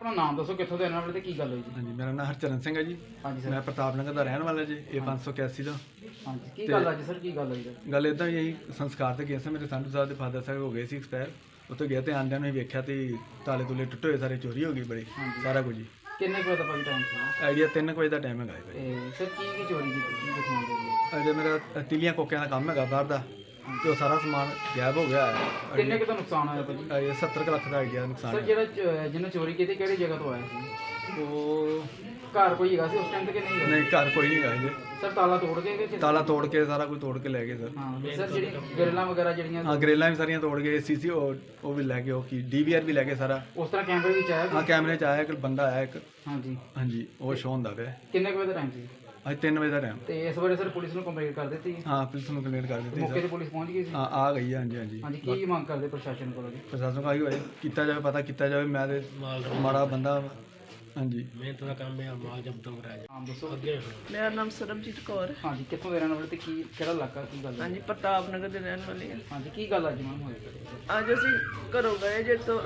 अपना नाम दसो कितों के रहने वाले ते की गल हुई जी? हाँ जी, मेरा नाम हरचरण सिंह है जी। हाँ जी सर। मैं प्रताप नगर का रहने वाला जी। ये 581 का हाँ जी की ਤੇ गल अज सर की गल हुई सर? ਗੱਲ ਇੱਦਾਂ ਹੀ ਇਹੀ ਸੰਸਕਾਰ ਤੇ ਗਿਆ ਸੀ। ਮੇਰੇ ਸੰਧੂ ਸਾਹਿਬ ਦੇ ਫਾਦਰ ਸਾਹਿਬ ਹੋ ਗਏ ਸੀ ਐਕਸਪਾਇਰ। ਉੱਥੇ ਗਿਆ ਤੇ ਆਂਦਿਆਂ ਨੂੰ ਹੀ ਵੇਖਿਆ ਤੇ ਤਾਲੇ ਤੁਲੇ ਟੁੱਟੇ ਹੋਏ, ਸਾਰੇ ਚੋਰੀ ਹੋ ਗਈ ਬੜੀ, ਸਾਰਾ ਕੁਝ ਜੀ। किन्ने को भाई टाइम से? ਆਈਡੀਆ 3 ਵਜੇ ਦਾ ਟਾਈਮ ਹੈਗਾ ਜੀ ਭਾਈ। सर की चोरी की की दिखाने दे रही ਅਜੇ ਮੇਰਾ ਤਿਲੀਆਂ ਕੋਕਿਆਂ ਦਾ ਕੰਮ ਹੈਗਾ ਬਾਹਰ ਦਾ, ਤੇ ਉਹ ਸਾਰਾ ਸਮਾਨ ਗਾਇਬ ਹੋ ਗਿਆ ਹੈ। किन्ने का नुकसान होया भाजी? ਇਹ 70 ਕੁ ਲੱਖ ਦਾ ਆਈਡੀਆ ਨੁਕਸਾਨ सर ਹੈ। ਜਿਹੜਾ ਜਿਹਨੇ ਚੋਰੀ ਕੀਤੀ ਕਿਹੜੀ ਜਗ੍ਹਾ ਤੋਂ ਆਇਆ ਸੀ? ਉਹ ਘਰ ਕੋਈ ਹੈਗਾ ਸੀ ਉਸ ਟਾਈਮ ਤੇ ਕਿ ਨਹੀਂ ਹੈਗਾ? ਨਹੀਂ, ਘਰ ਕੋਈ ਨਹੀਂ ਹੈਗਾ ਜੀ। ਸਰ ਤਾਲਾ ਤੋੜ ਕੇ ਕਿ ਤਾਲਾ ਤੋੜ ਕੇ ਸਾਰਾ ਕੁਝ ਤੋੜ ਕੇ ਲੈ ਗਏ ਸਰ। ਹਾਂ ਸਰ ਜਿਹੜੀ ਗਰਲਾਂ ਵਗੈਰਾ ਜਿਹੜੀਆਂ ਹਾਂ, ਗਰੇਲਾਂ ਵੀ ਸਾਰੀਆਂ ਤੋੜ ਗਏ। ਸੀਸੀ ਉਹ ਵੀ ਲੈ ਗਏ, ਉਹ ਕੀ ਡੀਵੀਆਰ ਵੀ ਲੈ ਗਏ ਸਾਰਾ। ਉਸ ਤਰ੍ਹਾਂ ਕੈਮਰੇ ਵਿੱਚ ਆਇਆ ਹਾਂ, ਕੈਮਰੇ 'ਚ ਆਇਆ ਇੱਕ ਬੰਦਾ ਆਇਆ ਇੱਕ। ਹਾਂਜੀ ਹਾਂਜੀ, ਉਹ ਸ਼ੋਅ ਹੁੰਦਾ ਪਿਆ। ਕਿੰਨੇ ਕੁ ਵਜੇ ਦਾ ਟਾਈਮ ਸੀ? ਅੱਜ 3 ਵਜੇ ਦਾ ਟਾਈਮ। ਤੇ ਇਸ ਬਾਰੇ ਸਰ ਪੁਲਿਸ ਨੂੰ ਕੰਪਲੇਂਟ ਕਰ ਦਿੱਤੀ? ਹਾਂ, ਪੁਲਿਸ ਨੂੰ ਕੰਪਲੇਂਟ ਕਰ ਦਿੱਤੀ ਮੌਕੇ ਸਰ। ਤੇ ਪੁਲਿਸ ਪਹੁੰਚ ਗਈ ਸੀ? ਹਾਂ, ਆ ਗਈ ਹੈ। ਹਾਂਜੀ ਹਾਂਜੀ। ਹਾਂਜੀ ਕੀ ਮੰਗ ਕਰਦੇ ਪ੍ਰਸ਼ਾਸਨ ਕੋਲੋਂ ਜੀ? ਪ੍ਰਸ਼ਾਸਨ ਕਾਹੀ ਹੋਏ ਕੀਤਾ ਜਾਵੇ, ਪਤਾ ਕੀਤਾ ਜਾਵੇ। ਮੈਂ ਤੇ ਮਾੜਾ ਬੰਦਾ ਵਾਂ। ਹਾਂਜੀ, ਮਿਹਨਤ ਦਾ ਕੰਮ ਹੈ, ਮਾਲ ਜਬਤ ਕਰਾਇਆ ਆਮ ਦੱਸੋ। ਅੱਗੇ ਮੇਰਾ ਨਾਮ ਸਰਬਜੀਤ ਕੌਰ। ਹਾਂਜੀ ਕਿੱਥੋਂ ਦੇ ਰਹਿਣ ਵਾਲੇ ਤੇ ਕੀ ਕਿਹੜਾ ਇਲਾਕਾ ਕੀ ਗੱਲ ਹੈ? ਹਾਂਜੀ, ਪ੍ਰਤਾਪ ਨਗਰ ਦੇ ਰਹਿਣ ਵਾਲੀ ਹਾਂ। ਹਾਂਜੀ ਕੀ ਗੱਲ ਅੱਜ ਮੈਮ ਹੋਈ? ਅੱਜ ਅਸੀਂ ਘਰੋਂ ਗਏ ਜੇ ਤੋਂ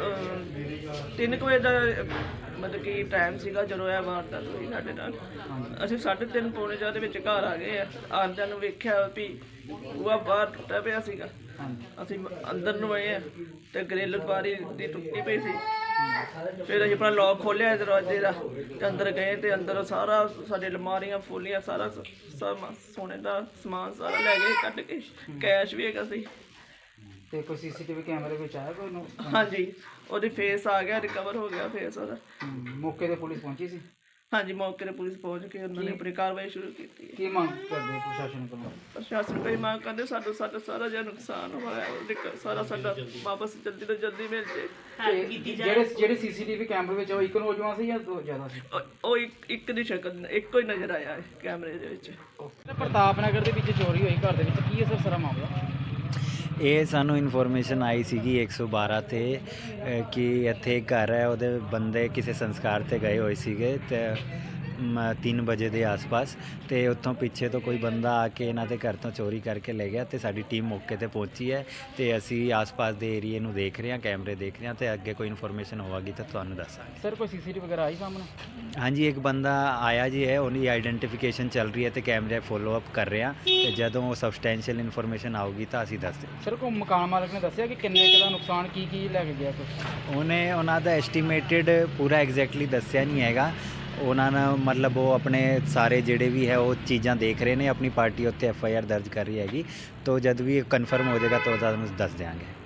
3 ਵਜੇ ਦਾ ਮਤਲਬ ਕਿ ਟਾਈਮ ਸੀਗਾ ਜਦੋਂ ਇਹ ਵਾਰਦਾਤ ਹੋਈ ਸਾਡੇ ਨਾਲ। ਅਸੀਂ 3:30 ਪੌਣੇ 4 ਦੇ ਵਿੱਚ ਘਰ ਆ ਗਏ ਆ। ਆਉਂਦਿਆਂ ਨੂੰ ਵੇਖਿਆ ਵੀ ਬੂਹਾ ਬਾਹਰ ਟੁੱਟਾ ਪਿਆ ਸੀਗਾ। ਅਸੀਂ ਅੰਦਰ ਨੂੰ ਆਏ ਆ ਤੇ ਗ੍ਰਿਲ ਬਾਰੀ ਦੀ ਟੁੱਟੀ ਪਈ ਸੀ। ਫਿਰ ਅਸੀਂ ਆਪਣਾ ਲੌਕ ਖੋਲ੍ਹਿਆ ਦਰਵਾਜ਼ੇ ਦਾ ਤੇ ਅੰਦਰ ਗਏ ਤੇ ਅੰਦਰ ਸਾਰਾ ਸਾਡੇ ਅਲਮਾਰੀਆਂ ਫੋਲੀਆਂ ਸਾਰਾ ਸੋਨੇ ਦਾ ਸਮਾਨ ਸਾਰਾ ਲੈ ਗਏ ਕੱਢ ਕੇ। ਕੈਸ਼ ਵੀ ਹੈਗਾ ਸੀ। ਤੇ ਕੋਈ ਸੀਸੀਟੀਵੀ ਕੈਮਰੇ ਵਿੱਚ ਆਇਆ ਕੋਈ ਨੂੰ? ਹਾਂਜੀ, ਉਹਦੀ ਫੇਸ ਆ ਗਿਆ, ਰਿਕਵਰ ਹੋ ਗਿਆ ਫੇਸ ਉਹਦਾ। ਮੌਕੇ ਤੇ ਪੁਲਿਸ ਪਹੁੰਚੀ ਸੀ? ਹਾਂਜੀ, ਮੌਕੇ ਤੇ ਪੁਲਿਸ ਪਹੁੰਚ ਕੇ ਉਹਨਾਂ ਨੇ ਆਪਣੀ ਕਾਰਵਾਈ ਸ਼ੁਰੂ ਕੀਤੀ ਹੈ। ਕੀ ਮੰਗ ਕਰਦੇ ਪ੍ਰਸ਼ਾਸਨ ਕੋਲੋਂ? ਪ੍ਰਸ਼ਾਸਨ ਕੋਈ ਮੰਗ ਕਰਦੇ ਸਾਡਾ ਸਾਰਾ ਜਿਹੜਾ ਨੁਕਸਾਨ ਹੋਇਆ ਉਹ ਸਾਰਾ ਸਾਡਾ ਵਾਪਸ ਜਲਦੀ ਤੋਂ ਜਲਦੀ ਮਿਲ ਜੇ। ਤੇ ਜਿਹੜੇ ਸੀਸੀਟੀਵੀ ਕੈਮਰੇ ਵਿੱਚ ਉਹ ਇੱਕ ਨੌਜਵਾਨ ਸੀ ਜਾਂ ਦੋ ਜ਼ਿਆਦਾ ਸੀ? ਉਹ ਇੱਕ ਦੀ ਸ਼ਕਲ ਇੱਕੋ ਹੀ ਨਜ਼ਰ ਆਇਆ ਹੈ ਕੈਮਰੇ ਦੇ ਵਿੱਚ। ਪ੍ਰਤਾਪ ਨਗਰ ਦੇ ਵਿੱਚ ਚੋਰੀ ਹੋਈ ਘਰ ਦੇ ਵਿੱਚ, ਕੀ ਹੈ ਸਰ ਸਾਰਾ ਮਾਮਲਾ? ਇਹ ਸਾਨੂੰ ਇਨਫੋਰਮੇਸ਼ਨ ਆਈ ਸੀਗੀ 112 ਤੇ ਕਿ ਇੱਥੇ ਇੱਕ ਘਰ ਹੈ, ਉਹਦੇ ਬੰਦੇ ਕਿਸੇ ਸੰਸਕਾਰ ਤੇ ਗਏ ਹੋਏ ਸੀਗੇ ਤੇ 3 ਵਜੇ ਦੇ ਆਸ-ਪਾਸ, ਤੇ ਉੱਥੋਂ ਪਿੱਛੇ ਤੋਂ ਕੋਈ ਬੰਦਾ ਆ ਕੇ ਇਹਨਾਂ ਦੇ ਘਰ ਤੋਂ ਚੋਰੀ ਕਰਕੇ ਲੈ ਗਿਆ। ਤੇ ਸਾਡੀ ਟੀਮ ਮੌਕੇ ਤੇ ਪਹੁੰਚੀ ਹੈ ਤੇ ਅਸੀਂ ਆਸ-ਪਾਸ ਦੇ ਏਰੀਏ ਨੂੰ ਦੇਖ ਰਹੇ ਹਾਂ, ਕੈਮਰੇ ਦੇਖ ਰਹੇ ਹਾਂ ਤੇ ਅੱਗੇ ਕੋਈ ਇਨਫੋਰਮੇਸ਼ਨ ਹੋਵੇਗੀ ਤਾਂ ਤੁਹਾਨੂੰ ਦੱਸਾਂਗੇ। ਸਰ ਕੋਈ ਸੀਸੀਟੀਵੀ ਵਗੈਰਾ ਆਈ ਸਾਹਮਣੇ? ਹਾਂਜੀ, ਇੱਕ ਬੰਦਾ ਆਇਆ ਜੀ ਹੈ, ਉਹਦੀ ਆਈਡੈਂਟੀਫਿਕੇਸ਼ਨ ਚੱਲ ਰਹੀ ਹੈ ਤੇ ਕੈਮਰੇ ਫੋਲੋ ਅਪ ਕਰ ਰਹੇ ਹਾਂ ਤੇ ਜਦੋਂ ਸਬਸਟੈਂਸ਼ੀਅਲ ਇਨਫੋਰਮੇਸ਼ਨ ਆਊਗੀ ਤਾਂ ਅਸੀਂ ਦੱਸ ਦਿਆਂਗੇ। ਸਰ ਕੋਈ ਮਕਾਨ ਮਾਲਕ ਨੇ ਦੱਸਿਆ ਕਿ ਕਿੰਨੇ ਕੁ ਦਾ ਨੁਕਸਾਨ ਕੀ ਲੈ ਕੇ ਗਿਆ ਕੁਛ? ਉਹਨਾਂ ਦਾ ਐਸਟੀਮੇਟਡ ਪੂਰਾ ਐਗਜ਼ੈਕਟਲੀ ਦੱਸਿਆ ਨਹੀਂ ਹੈਗਾ। ਉਹਨਾਂ ਨੇ ਮਤਲਬ ਉਹ ਆਪਣੇ ਸਾਰੇ ਜਿਹੜੇ ਵੀ ਹੈ ਉਹ ਚੀਜ਼ਾਂ ਦੇਖ ਰਹੇ ਨੇ। ਆਪਣੀ ਪਾਰਟੀ ਉੱਤੇ FIR ਦਰਜ ਕਰ ਰਹੀ ਹੈਗੀ, ਤਾਂ ਜਦ ਵੀ ਕਨਫਰਮ ਹੋ ਜਾਏਗਾ ਤਾਂ ਤੁਹਾਨੂੰ ਦੱਸ ਦਿਆਂਗੇ।